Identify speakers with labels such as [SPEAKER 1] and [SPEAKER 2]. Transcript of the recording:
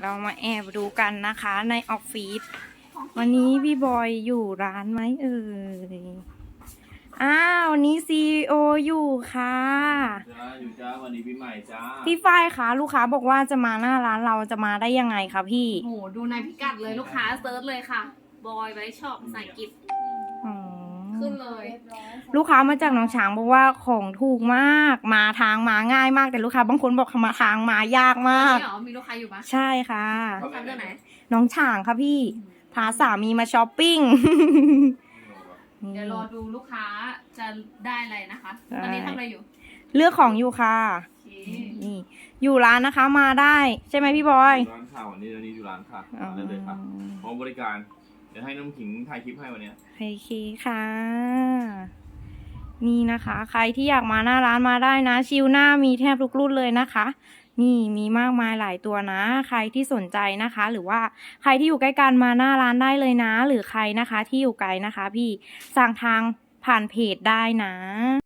[SPEAKER 1] เรามาแอบดูกันนะคะในออฟฟิศวันนี้พี่บอยอยู่ร้านไหมเอ่ยอ้าววันนี้ซีโออยู่ค่ะ
[SPEAKER 2] จ้าอยู่จ้าวันนี้ปีใหม่จ้า
[SPEAKER 1] พี่ฝ้ายคะลูกค้าบอกว่าจะมาหน้าร้านเราจะมาได้ยังไงคะพี่
[SPEAKER 3] โหดูในพิกัดเลยลูกค้าเซิร์ชเลยค่ะบอยไว้ชอบภาษาอังกฤษขึ้นเลย
[SPEAKER 1] ลูกค้ามาจากหนองฉางบอกว่าของถูกมากมาทางมาง่ายมากแต่ลูกค้าบางคนบอกมาทางมายากมาก
[SPEAKER 3] นี่เหรอมีลูกค้าอยู่ปะ
[SPEAKER 1] ใช่ค่ะ
[SPEAKER 3] ลูกค้าเรื่องไหน
[SPEAKER 1] หนองฉางค่ะพี่พาสามีมาช้อปปิ้ง
[SPEAKER 3] เดี๋ยวรอดูลูกค้าจะได้อะไรนะคะ ตอนนี้ทำอะไรอยู่
[SPEAKER 1] เลือกของอยู่ค่ะ
[SPEAKER 3] โอเค
[SPEAKER 1] นี่อยู่ร้านนะคะมาได้ใช่ไหมพี่บอย
[SPEAKER 2] ร้านข่าววันนี้อยู่ร้านค่ะมาได้เลยค่ะพร้อมบริการเดี๋ยวให้น้ำขิงถ่ายคลิปให้วันนี้
[SPEAKER 1] โอเคค่ะ นี่นะคะ ใครที่อยากมาหน้าร้านมาได้นะชิลหน้ามีแทบทุกรุ่นเลยนะคะ นี่มีมากมายหลายตัวนะ ใครที่สนใจนะคะ หรือว่าใครที่อยู่ใกล้กันมาหน้าร้านได้เลยนะ หรือใครนะคะที่อยู่ไกลนะคะ พี่สั่งทางผ่านเพจได้นะ